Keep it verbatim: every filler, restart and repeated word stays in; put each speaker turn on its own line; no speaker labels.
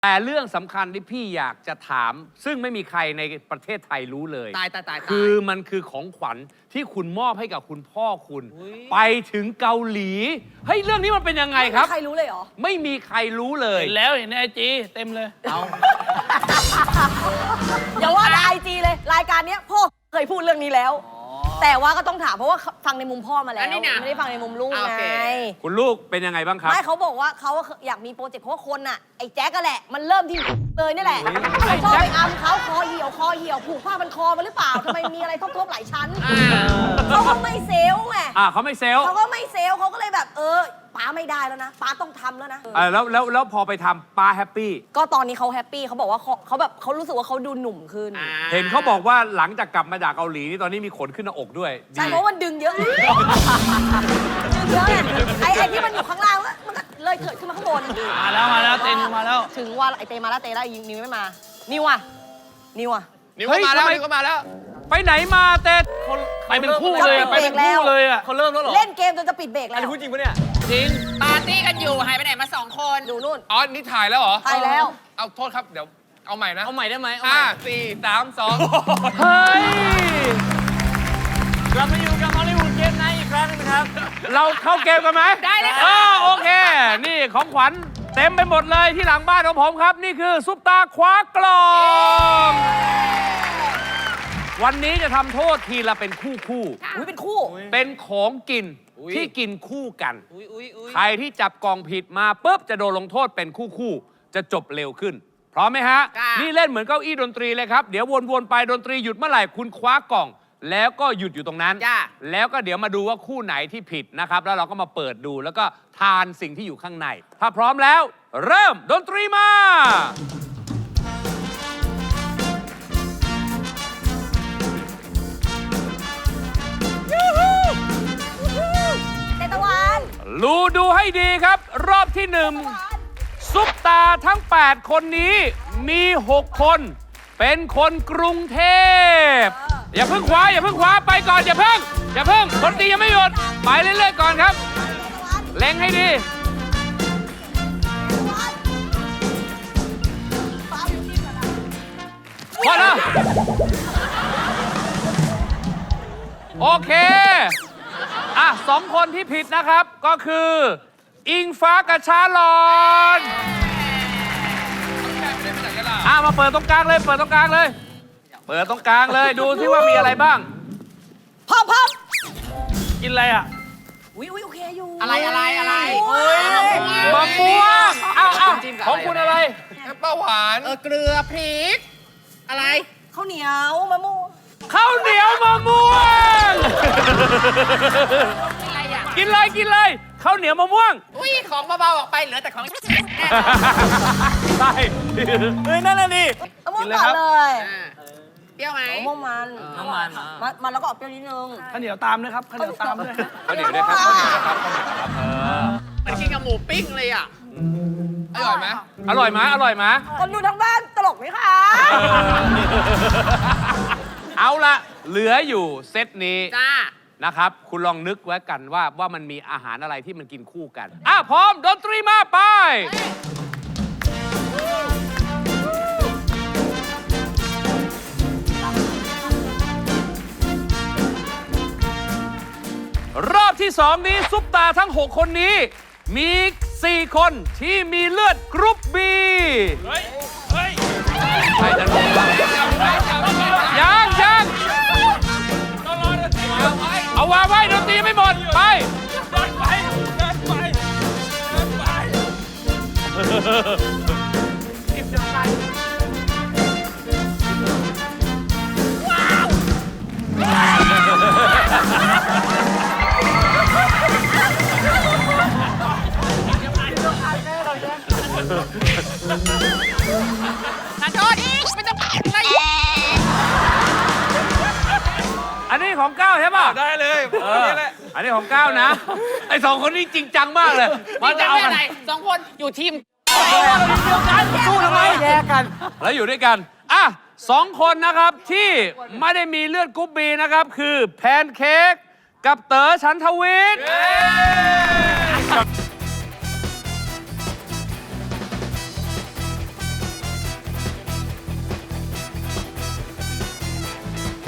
แต่เรื่องสำคัญที่พี่อยากจะถามซึ่งไม่มีใครในประเทศไทยรู้เลย
ตายตายตาย
คือมันคือของขวัญที่คุณมอบให้กับคุณพ่อคุณ ไปถึงเกาหลีเฮ้ยเรื่องนี้มันเป็นยังไงครับ
ไม่มีใครรู้เลยเหรอ
ไม่มีใครรู้เลย
เห็นแล้วเห็นในไอจีเต็มเลย
เอา
อย่าว่าแต่ไอจีเลย รายการเนี้ยพ่อเคยพูดเรื่องนี้แล้ว แต่ว่าก็ต้องถามเพราะว่าฟังในมุมพ่อมาแล้ว ไม่ได้ฟังในมุมลูกไง
คุณลูกเป็นยังไงบ้างครับ
ไม่เขาบอกว่าเขาอยากมีโปรเจกต์เพราะว่าคนน่ะไอ้แจ๊กก็แหละ มันเริ่มที่เลยนี่แหละเขาชอบไปอัมเขาคอเหี่ยวคอเหี่ยวผูกผ้ามันคอมาหรือเปล่าทำไมมีอะไรทบๆหลายชั้นเขาก็ไม่เซลล์ไง
อ่าเขาไม่เซลล์
เขาก็ไม่เซลล์เขาก็เลยแบบเออป้าไม่ได้แล้วนะป้าต้องทำแล้วนะ
อ่าแล้วแล้วแล้วพอไปทำป้าแฮปปี้
ก็ตอนนี้เขาแฮปปี้เขาบอกว่าเขาเขาแบบเขารู้สึกว่าเขาดูหนุ่มขึ้น
เห็นเขาบอกว่าหลังจากกลับมาจากเกาหลีนี่ตอนนี้มีขนขึ้นหน้าอกด้วย
ใช่เพราะมันดึงเยอะ ดึงเยอะไงไอ้ไอ้ที่มันอยู่ข้างล่างมันก็เลยเถิดขึ้นมาข้างบน
มาแล้วมาแล้วเต็นมาแล้ว
ถึงว่าไอ้เตมาแล้วเตแล้วนิวไม่มานิวอ่ะนิวอ่ะ
นิวก็มาแล้วนิวก็มาแล้ว
ไปไหนมาเต้
ไปเป็นคู่เลยอะไปเป็นคู่เลยอ่ะ
เขาเริ่มแล้วเหรอ
เล่นเกมจนจะปิดเบรกแล้ว
อันนี้พูดจริงปะเนี่ย
จริง
ปาร์ตี้กันอยู่หายไปไหนมาสองคน
ดูนู่น
อ๋อนี่ถ่ายแล้วเหรอ
ไปแล้ว
เอาโทษครับเดี๋ยวเอาใหม่นะ
เอาใหม่ได้ไหมเอาให
ห้า
ม่
สี่สามสอง
เฮ้ย
กลับมาอยู่กับฮอลลีวูดเกมไนท์อีกครั้งหนึงนะครับ
เราเข้าเกมกันไหม
ได้เลยค่ะ
อ๋อโอเค นี่ของขวัญเต็มไปหมดเลยที่หลังบ้านของผมครับ นี่คือซุปตาคว้ากล่อง วันนี้จะทำโทษทีละเป็นคู่คู่
อุ้ยเป็นคู่
ๆเป็นของกินที่กินคู่กัน
อุ้ยอุ้ยอุ้ย
ใครที่จับกล่องผิดมาปุ๊บจะโดนลงโทษเป็นคู่คู่ๆจะจบเร็วขึ้น พร้อมไหมฮะ นี่เล่นเหมือนเก้าอี้ดนตรีเลยครับ เดี๋ยววนๆไปดนตรีหยุดเมื่อไหร่คุณคว้ากล่อง แล้วก็หยุดอยู่ตรงนั้น
จ้า
แล้วก็เดี๋ยวมาดูว่าคู่ไหนที่ผิดนะครับ แล้วเราก็มาเปิดดูแล้วก็ทานสิ่งที่อยู่ข้างใน ถ้าพร้อมแล้ว เริ่มดนตรีมา
เตตะวัน
รูดูให้ดีครับ รอบที่หนึ่งซุปตาทั้ง แปด คนนี้มี หก คน เป็นคนกรุงเทพ อย่าเพิ่งคว้าอย่าเพิ่งคว้าไปก่อนอย่าเพิ่งอย่าเพิ่งดนตรียังไม่หยุดไปเรื่อยๆก่อนครับเล็งให้ดีพอแล้วโอเคอ่ะสองคนที่ผิดนะครับก็คือ อิงฟ้ากับชาลอนอ่ะมาเปิดตรงกลางเลยเปิดตรงกลางเลย เปิดตรงกลางเลยดูที่ว่ามีอะไรบ้าง
พร้อมพร้อม
กินอะไรอ่ะ
อุ้ยอุ้ยโอเคอยู่
อะไรอะไรอะไร
มะม่วงอ้าวอ้าวของคุณอะไร
แอปเปิ้ลหวาน
เออเกลือพริก อะไร
ข้าวเหนียวมะม่วง
ข้าวเหนียวมะม่วง
อะไรอ่ะ
กินเลยกินเลยข้าวเหนียวมะม่วง
อุ้ยของเบาๆออกไปเหลือแต่ของ
ใช่
เฮ้ยนั่นน่ะดิ
มะม่วงก่อนเลย
อ่าเปรี้ยวไหม
มะม่วงมัน
น้ำมัน
มันมันแล้วก็ออกเปรี้ยวนิดนึง
ข้าวเหนียวตามด้วยครับข้าวเหนียวตามด้วย
ข้าวเหนียวด้วยครับข้าวเหนียวด้วยครับข้าวเหนียวครับเออ
มันกินกับหมูปิ้งเลยอ่ะ
อร่อยไหม
อร่อยไหมอร่อยไหม
คนดูทั้งบ้านตลกไหมคะ
เอาละเหลืออยู่เซตนี้
จ้า
นะครับ คุณลองนึกไว้กันว่าว่ามันมีอาหารอะไรที่มันกินคู่กันอ่ะพร้อมดนตรีมาไป รอบที่สองนี้ซุปตาทั้ง หก คนนี้ มี สี่ คนที่มีเลือดกรุ๊ปบี
เฮ้ยเฮ้ย
ใครจะรู้ยังยังเอาวางไว้ดนตรีไม่หมด ไป
เดินไปเดินไปเดินไป
ขอโทษไม่ต้องอะไร
อันนี้ของก้าวใช่ป่ะ
ได้เลย
เอออันนี้ของก้าวนะ ไอ้สองคนนี้จริงจังมากเลย
นี่จะ
เอา
เป็น
กัน
อะไรสองคนอยู่ทีม
สู้ทำไมแยกกัน แล้วอยู่ด้วยกัน อ่ะสองคนนะครับที่ไม่ได้มีเลือดกรุ๊ปบีนะครับ คือแพนเค้กกับเต๋อฉันทวิทย์